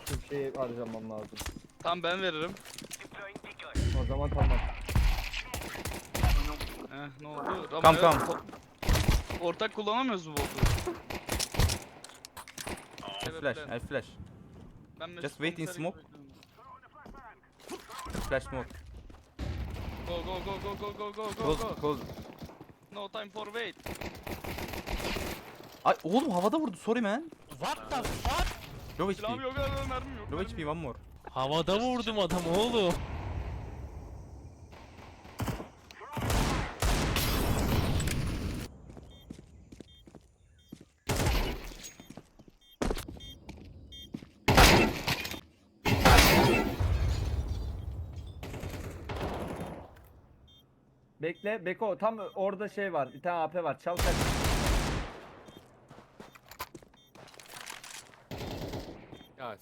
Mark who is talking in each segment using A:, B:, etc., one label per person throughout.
A: Şu şeyi harcamam lazım.
B: Tamam ben veririm.
A: O zaman tamam.
B: Ne oldu?
C: Kam,
B: Ramaya-
C: kam.
B: Ortak kullanamıyoruz bu botu.
C: I flash.
B: Ben Mesut
C: Just wait in
B: komiseri
C: smoke.
B: gibi bekliyorum.
C: Flash smoke.
B: Go go go go go go go go
C: Close,
B: go.
C: close.
B: No time for wait.
C: Ay oğlum havada vurdu. Sorry man.
D: What the fuck?
C: Low
B: Silahım
C: HP.
B: yok, mermim yok.
C: Low HP, one more.
D: Havada vurdum adamı oğlum.
A: Bekle Beko, tam orada şey var. Bir tane AP var. Çal kaç.
E: Ya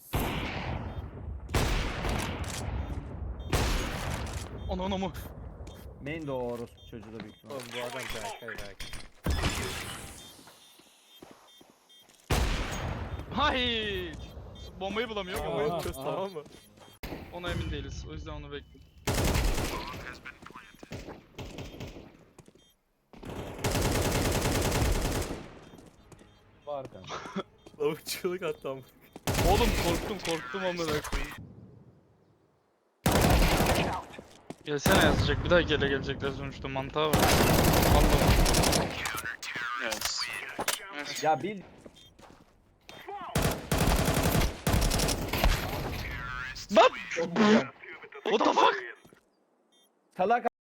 B: Onu mu?
A: Main de o orospu çocuğu da büyük ihtimalle.
E: oğlum bu adam Berkay Berkay.
B: Hay! Bombayı bulamıyor. Bombayı.
E: Bombayı çöz tamam mı?
B: Ona emin değiliz. O yüzden onu bekliyorum.
A: Var kanka.
E: Lavuk çığlık attı ama.
B: Oğlum korktum amına koyayım. Gelsene yazacak. Bir daha gelecekler sonuçta mantığa var. Allah'ım. Yes.
A: Ya bil.
B: Bak! What the fuck?
A: Salak